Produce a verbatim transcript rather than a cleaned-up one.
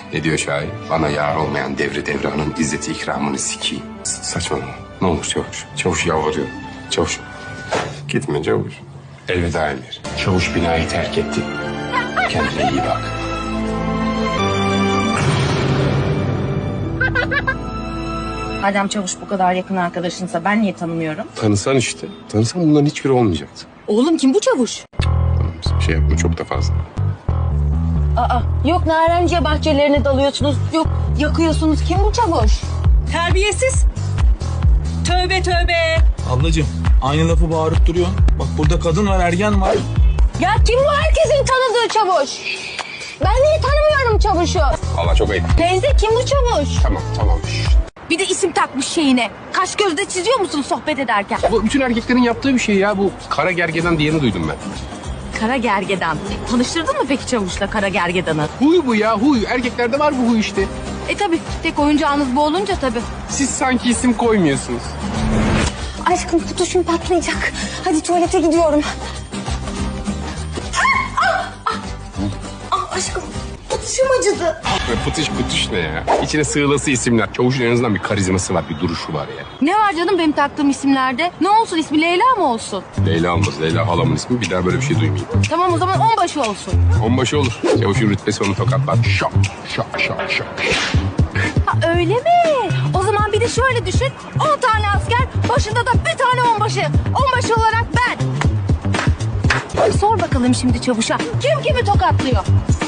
Ne diyor şair? Bana yar olmayan devri devranın izzeti ikramını sikeyim. S- Saçmalama. Ne olur çavuş. Çavuş yalvarıyor. Çavuş. Gitme çavuş. Elveda Emir. Çavuş binayı terk etti. Kendine iyi bak. Madem Çavuş bu kadar yakın arkadaşınsa ben niye tanımıyorum? Tanısan işte. Tanısan bunların hiçbiri olmayacaktı. Oğlum kim bu Çavuş? Tamam, şey yapma çok da fazla. Aa, yok narenciye bahçelerine dalıyorsunuz, yok yakıyorsunuz. Kim bu Çavuş? Terbiyesiz. Tövbe tövbe. Ablacığım aynı lafı bağırıp duruyorsun. Bak burada kadın var, ergen var. Ya kim bu herkesin tanıdığı Çavuş? Ben niye tanımıyorum Çavuş'u? Allah çok ayıp. Teyze kim bu Çavuş? Tamam tamam. Şşt. Bir de isim takmış şeyine. Kaş gözde çiziyor musun sohbet ederken? Bu bütün erkeklerin yaptığı bir şey ya. Bu kara gergedan diyeni duydum ben. Kara gergedan. Tanıştırdın mı peki Çavuş'la Kara gergedanı? Huy bu ya huy. Erkeklerde var bu huy işte. E tabi tek oyuncağınız bu olunca tabi. Siz sanki isim koymuyorsunuz. Aşkım kutuşum patlayacak. Hadi tuvalete gidiyorum. Ah, ah, ah, aşkım kutuşum acıdı. Pıtış pıtış ne ya? İçine sığılası isimler. Çavuşun en azından bir karizması var, bir duruşu var ya. Ne var canım benim taktığım isimlerde? Ne olsun ismi Leyla mı olsun? Leyla olmaz. Leyla halamın ismi. Bir daha böyle bir şey duymayayım. Tamam o zaman onbaşı olsun. Onbaşı olur. Çavuşun rütbesi onu tokatlar. Şak şak şak şak. Ha öyle mi? O zaman bir de şöyle düşün. On tane asker başında da bir tane onbaşı. Onbaşı olarak ben. Sor bakalım şimdi Çavuş'a. Kim kimi tokatlıyor?